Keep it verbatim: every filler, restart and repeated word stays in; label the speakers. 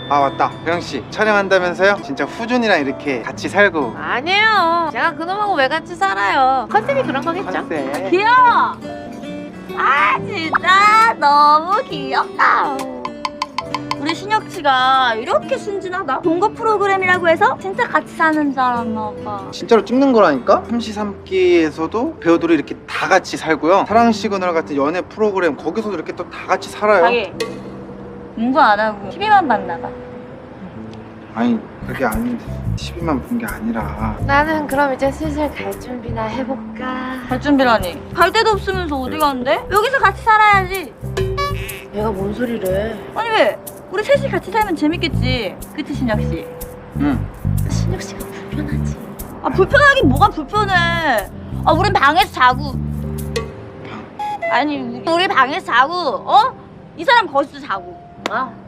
Speaker 1: 아 맞다, 혜영씨 촬영한다면서요? 진짜 후준이랑 이렇게 같이 살고.
Speaker 2: 아니에요. 제가 그놈하고 왜 같이 살아요. 컨셉이 그런 거겠죠.
Speaker 1: 컨셉.
Speaker 3: 귀여워. 아 진짜 너무 귀엽다. 우리 신혁 씨가 이렇게 순진하다. 동거 프로그램이라고 해서 진짜 같이 사는 줄 알았나 봐.
Speaker 1: 진짜로 찍는 거라니까? 삼시삼끼에서도 배우들이 이렇게 다 같이 살고요. 사랑 시그널 같은 연애 프로그램 거기서도 이렇게 또 다 같이 살아요.
Speaker 3: 자기 공부 안 하고 티비만 봤나 봐.
Speaker 1: 아니 그게 아닌데 티비만 본 게 아니라.
Speaker 2: 나는 그럼 이제 슬슬 갈 준비나 해볼까.
Speaker 3: 갈 준비라니. 갈 데도 없으면서 어디 가는데? 여기서 같이 살아야지.
Speaker 2: 얘가 뭔 소리를.
Speaker 3: 아니 왜? 우리 셋이 같이 살면 재밌겠지. 그치 신혁 씨?
Speaker 1: 응.
Speaker 2: 신혁 씨가 불편하지.
Speaker 3: 아 불편하긴 뭐가 불편해. 아 우린 방에서 자고. 아니 우리 방에서 자고 어? 이 사람 거기서 자고.
Speaker 2: 아